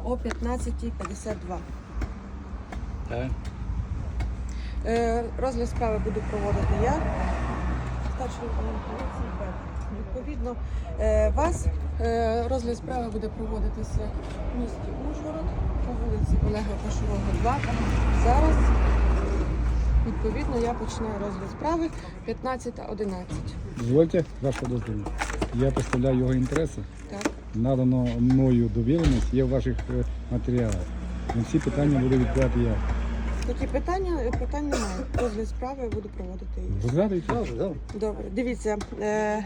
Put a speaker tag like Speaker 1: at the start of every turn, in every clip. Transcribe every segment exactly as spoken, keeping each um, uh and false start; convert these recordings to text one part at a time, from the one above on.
Speaker 1: о п'ятнадцятій п'ятдесят два.
Speaker 2: Так.
Speaker 1: Е, Розгляд справи буду проводити я, старший лейтенант поліції Петр. Відповідно, е, вас е, розгляд справи буде проводитися в місті Ужгород по вулиці Олега Кошового, два. Зараз, відповідно, я починаю розгляд справи п'ятнадцята одинадцять.
Speaker 2: Дозвольте вашого дозволу. Я представляю його інтереси.
Speaker 1: Так.
Speaker 2: Надано мною довіреність, є в ваших е, матеріалах. На всі питання буду відповідати я.
Speaker 1: Такі питання, питань немає. Розгляд справи буду проводити її.
Speaker 2: Розглядайте?
Speaker 1: Добре, дивіться, е,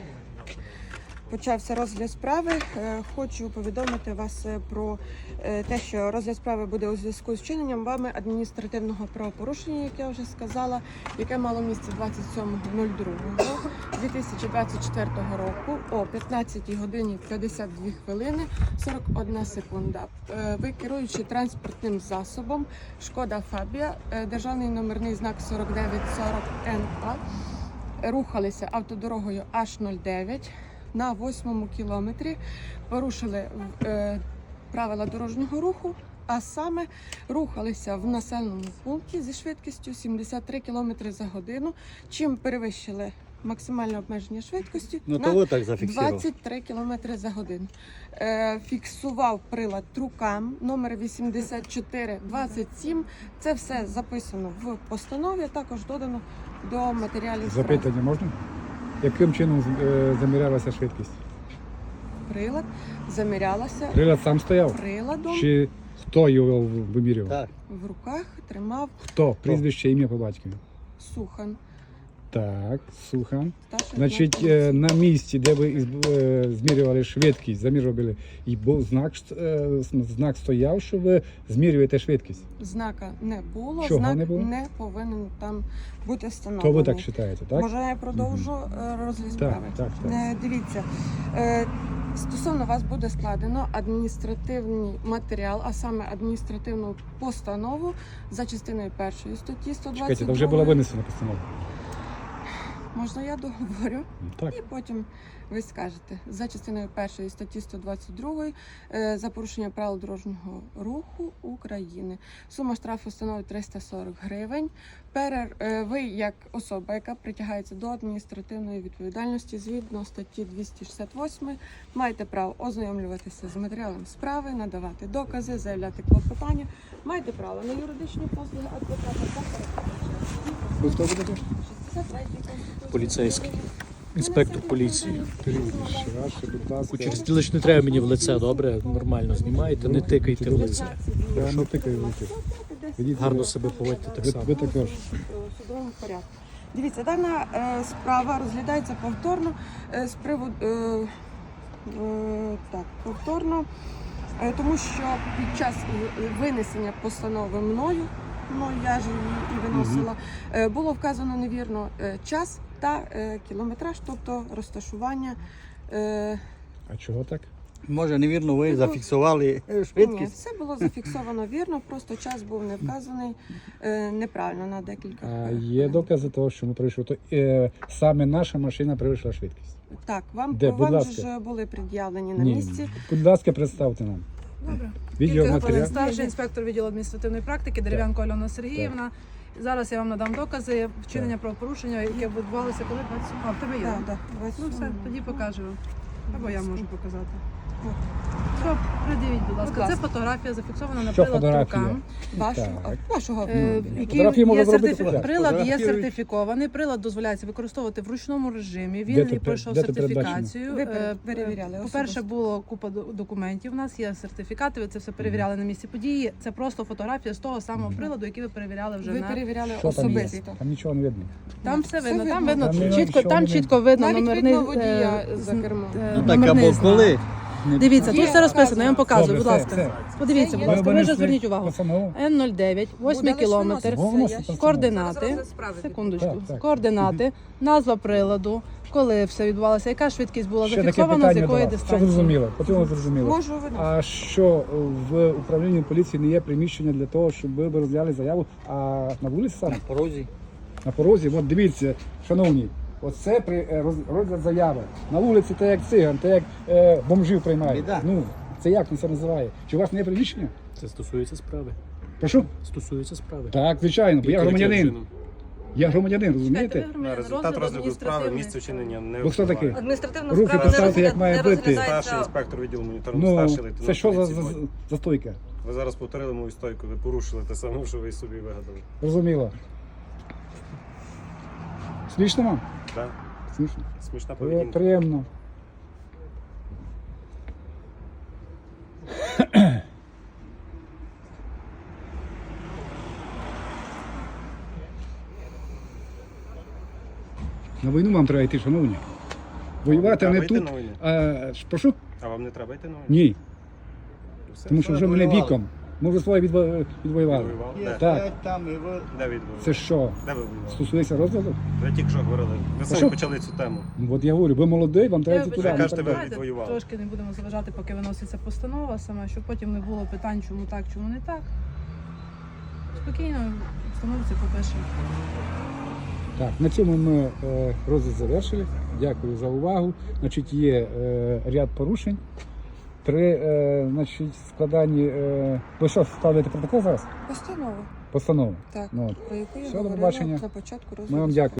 Speaker 1: почався розгляд справи. Е, хочу повідомити вас е, про е, те, що розгляд справи буде у зв'язку з вчиненням вами адміністративного правопорушення, як я вже сказала, яке мало місце двадцять сьомого другого дві тисячі двадцять четвертого року о п'ятнадцятій годині п'ятдесят дві хвилини сорок одна секунда. Е, ви, керуючи транспортним засобом Шкода Фабія, е, державний номерний знак сорок дев'ять сорок ен а, рухалися автодорогою аш нуль дев'ять на восьмому кілометрі, порушили е, правила дорожнього руху, а саме рухалися в населеному пункті зі швидкістю сімдесят три кілометри за годину, чим перевищили максимальне обмеження швидкості
Speaker 3: Ну,
Speaker 1: на
Speaker 3: то ви так зафіксував.
Speaker 1: двадцять три кілометри за годину. Е, фіксував прилад Трукам номер вісімдесят чотири двадцять сім. Це все записано в постанові, також додано до матеріалів справи.
Speaker 2: Запитання можна? Яким чином е, замірялася швидкість?
Speaker 1: Прилад замірялася
Speaker 2: Прилад сам стояв?
Speaker 1: приладом,
Speaker 2: Чи хто його вимірював?
Speaker 3: Так.
Speaker 1: в руках тримав
Speaker 2: Хто? Прізвище, ім'я по батькові?
Speaker 1: Сухан.
Speaker 2: Так, Сухан.
Speaker 1: Старший
Speaker 2: Значить,
Speaker 1: лейтенант
Speaker 2: е, на місці, де ви із- е, змірювали швидкість, замірювали, і був знак, е, знак стояв, що ви змірюєте швидкість.
Speaker 1: знака не було,
Speaker 2: Чого
Speaker 1: знак
Speaker 2: не було?
Speaker 1: не повинен там бути
Speaker 2: То
Speaker 1: встановлений.
Speaker 2: ви так вважаєте, так?
Speaker 1: Може, я продовжу е, розгляд справи?
Speaker 2: так, так.
Speaker 1: Е, Дивіться, е, стосовно вас буде складено адміністративний матеріал, а саме адміністративну постанову за частиною першої статті сто двадцять два.
Speaker 2: Чекайте, то вже була винесена постанова.
Speaker 1: Можна я договорю?
Speaker 2: Так.
Speaker 1: І потім ви скажете за частиною першої статті сто двадцять два е, за порушення правил дорожнього руху України. Сума штрафу становить триста сорок гривень. Перер, е, ви, як особа, яка притягається до адміністративної відповідальності згідно статті двісті шістдесят вісім, маєте право ознайомлюватися з матеріалом справи, надавати докази, заявляти клопотання, маєте право на юридичні послуги адвоката та перекладача.
Speaker 2: Ви хто будете?
Speaker 1: шістдесят третій Конституції.
Speaker 4: Поліцейський. Інспектор поліції.
Speaker 2: Прізвище, будь ласка.
Speaker 4: Через тілеч не треба мені в лице, добре? Нормально знімаєте, не тикайте в лице.
Speaker 2: Я не тикаю в руки. Ведіть
Speaker 4: Гарно
Speaker 2: себе.
Speaker 4: себе поводьте так
Speaker 2: Ви,
Speaker 4: само.
Speaker 2: ви також.
Speaker 1: У судовому порядку. Дивіться, дана е, справа розглядається повторно е, з приводу е, е, так, повторно, е, тому що під час е, винесення постанови мною, ну я ж її і виносила, е, було вказано невірно е, час та е, кілометраж, тобто розташування. Е,
Speaker 2: А чого так?
Speaker 3: Може, невірно, ви
Speaker 1: Ну,
Speaker 3: зафіксували
Speaker 1: Ні,
Speaker 3: швидкість?
Speaker 1: все було зафіксовано вірно, просто час був не вказаний е, неправильно на декілька.
Speaker 2: А
Speaker 1: е,
Speaker 2: є докази того, що ми пройшли. То, е, саме наша машина перевищила швидкість.
Speaker 1: Так, вам,
Speaker 2: Де? Будь
Speaker 1: вам
Speaker 2: ласка.
Speaker 1: ж були пред'явлені на
Speaker 2: Ні.
Speaker 1: місці.
Speaker 2: Будь ласка, представте нам.
Speaker 5: Добре.
Speaker 2: Відеоматеріал.
Speaker 5: Ігор, старший інспектор відділу адміністративної практики Дерев'янко Альона Сергіївна. Зараз я вам надам докази вчинення правопорушення, яке відбувалося коли двадцять А, в тебе є?
Speaker 1: Так,
Speaker 5: да?
Speaker 1: так,
Speaker 5: Ну все, тоді покажу вам. Або я можу показати.
Speaker 1: От.
Speaker 5: Що, придивіть, будь ласка.
Speaker 1: Будь ласка.
Speaker 5: Це фотографія зафіксована на
Speaker 2: Що
Speaker 5: прилад
Speaker 2: фотографія?
Speaker 5: Трукам.
Speaker 1: Вашого,
Speaker 2: Так.
Speaker 1: вашого
Speaker 5: Е,
Speaker 1: автомобіля.
Speaker 5: який
Speaker 2: Фотографії можна
Speaker 5: є
Speaker 2: зробити
Speaker 5: сертифі-
Speaker 2: фотографію.
Speaker 5: Прилад є
Speaker 3: Фотографірують.
Speaker 5: сертифікований, прилад дозволяється використовувати в ручному режимі.
Speaker 2: Де
Speaker 5: Він
Speaker 2: це
Speaker 5: і пройшов
Speaker 2: де це передбачено?
Speaker 5: сертифікацію.
Speaker 1: Ви
Speaker 5: Е,
Speaker 1: пере- перевіряли
Speaker 5: По-перше,
Speaker 1: особисто?
Speaker 5: було купа до- документів. У нас є сертифікати, ви це все перевіряли на місці події. Це просто фотографія з того самого приладу, який ви перевіряли вже
Speaker 1: Ви
Speaker 5: на
Speaker 1: перевіряли
Speaker 2: Що там є?
Speaker 1: особисто.
Speaker 2: Там нічого не видно.
Speaker 5: там все
Speaker 1: Все
Speaker 5: видно. Там
Speaker 1: видно.
Speaker 5: видно
Speaker 2: Там не-
Speaker 5: чітко,
Speaker 2: нічого
Speaker 5: там
Speaker 2: не
Speaker 5: чітко видно
Speaker 1: Навіть
Speaker 5: номерний
Speaker 1: видно водія
Speaker 5: е,
Speaker 1: за
Speaker 5: з-
Speaker 1: кермом.
Speaker 5: е,
Speaker 3: Ну так,
Speaker 5: номерний
Speaker 3: або
Speaker 5: знак.
Speaker 3: коли?
Speaker 5: Дивіться, тут
Speaker 1: Є
Speaker 5: все розписано, я вам
Speaker 1: вказано.
Speaker 5: показую,
Speaker 2: Добре,
Speaker 5: будь
Speaker 2: все,
Speaker 5: ласка.
Speaker 2: все.
Speaker 5: Подивіться,
Speaker 1: Це
Speaker 5: будь
Speaker 1: є.
Speaker 5: ласка, ви вже
Speaker 2: винесли
Speaker 5: зверніть увагу.
Speaker 2: постанову?
Speaker 5: Н нуль дев'ять, восьмий
Speaker 1: Буде лише
Speaker 5: кілометр,
Speaker 1: виноситися,
Speaker 2: Виносить
Speaker 1: я ж-
Speaker 2: постанову.
Speaker 5: координати,
Speaker 1: Зараз розгляд справи
Speaker 5: секундочку,
Speaker 2: Так, так.
Speaker 5: координати, назва приладу, коли все відбувалося, яка швидкість була
Speaker 2: Ще таке
Speaker 5: зафіксована, з
Speaker 2: питання
Speaker 5: якої
Speaker 2: до вас. Що
Speaker 5: дистанції.
Speaker 2: зрозуміло? Потрібно зрозуміло.
Speaker 1: Можу виносити.
Speaker 2: А що в управлінні поліції не є приміщення для того, щоб ви б розгляли заяву, а на вулиці саме?
Speaker 3: На порозі.
Speaker 2: На порозі, от дивіться, шановні, оце при е, роз- розгляд заяви. На вулиці та як циган, та як е, бомжів приймають.
Speaker 3: Біда.
Speaker 2: Ну, Це як це називає? Чи у вас не є приміщення?
Speaker 4: Це стосується справи.
Speaker 2: Прошу?
Speaker 4: Стосується справи.
Speaker 2: Так, звичайно, бо я
Speaker 4: Яким
Speaker 2: громадянин.
Speaker 4: чином?
Speaker 2: Я громадянин,
Speaker 5: Чекайте,
Speaker 2: розумієте?
Speaker 5: ви громадянин,
Speaker 6: Результат розгляду справи,
Speaker 5: адміністративний.
Speaker 6: місце вчинення не
Speaker 2: Ви хто
Speaker 6: впливає.
Speaker 2: такий?
Speaker 7: Адміністративна
Speaker 2: Руки
Speaker 7: справа
Speaker 2: поставте,
Speaker 7: не
Speaker 2: як має
Speaker 7: розгляда- не
Speaker 2: бути.
Speaker 7: розглядається.
Speaker 6: Старший інспектор відділу моніторингу,
Speaker 2: Ну,
Speaker 6: старший лейтенант
Speaker 2: це що за,
Speaker 6: поліції
Speaker 2: за,
Speaker 6: Бодь.
Speaker 2: за стойка?
Speaker 6: Ви зараз повторили мою стойку, ви порушили те саме, що ви собі вигадали.
Speaker 2: Розуміло. Смішно вам?
Speaker 6: Так?
Speaker 2: Смішно.
Speaker 6: Смішна
Speaker 2: При-
Speaker 6: поведінка.
Speaker 2: Приємно. На війну вам треба йти, шановні. Воювати
Speaker 6: Треба
Speaker 2: не
Speaker 6: йти
Speaker 2: тут.
Speaker 6: на війну?
Speaker 2: А, ж- прошу?
Speaker 6: А вам не треба йти на війну?
Speaker 2: Ні.
Speaker 6: Все,
Speaker 2: Тому що
Speaker 6: все,
Speaker 2: вже мене
Speaker 6: воювали.
Speaker 2: віком. Ми вже своє відво- відвоювали.
Speaker 6: Воював?
Speaker 3: Є
Speaker 6: Де?
Speaker 2: Так.
Speaker 3: п'ять там і ви.
Speaker 6: Де відвоювали?
Speaker 2: Це що?
Speaker 6: Де ви воювали?
Speaker 2: Стосується розгляду?
Speaker 6: Ви тільки що говорили. Ви
Speaker 2: що?
Speaker 6: самі почали цю тему.
Speaker 2: Ну, от я говорю, ви молодий, вам треба
Speaker 5: Я
Speaker 2: йти туди.
Speaker 5: вибачаю,
Speaker 2: ну,
Speaker 6: кажете,
Speaker 2: так
Speaker 6: ви
Speaker 2: далі.
Speaker 5: давайте
Speaker 6: відвоювали.
Speaker 5: трошки не будемо заважати, поки виноситься постанова саме, щоб потім не було питань, чому так, чому не так. Спокійно, встановиться, попишемо.
Speaker 2: Так, на цьому ми е, розгляд завершили. Дякую за увагу. Значить, є е, ряд порушень. При е, значить, складанні. Е, ви що, складаєте протокол зараз?
Speaker 1: Постанова.
Speaker 2: Постанову.
Speaker 1: Так,
Speaker 2: Ну, от.
Speaker 1: про яку я
Speaker 2: Все, до
Speaker 1: говорила
Speaker 2: побачення.
Speaker 1: на початку розгляду.
Speaker 2: Ми вам дякуємо.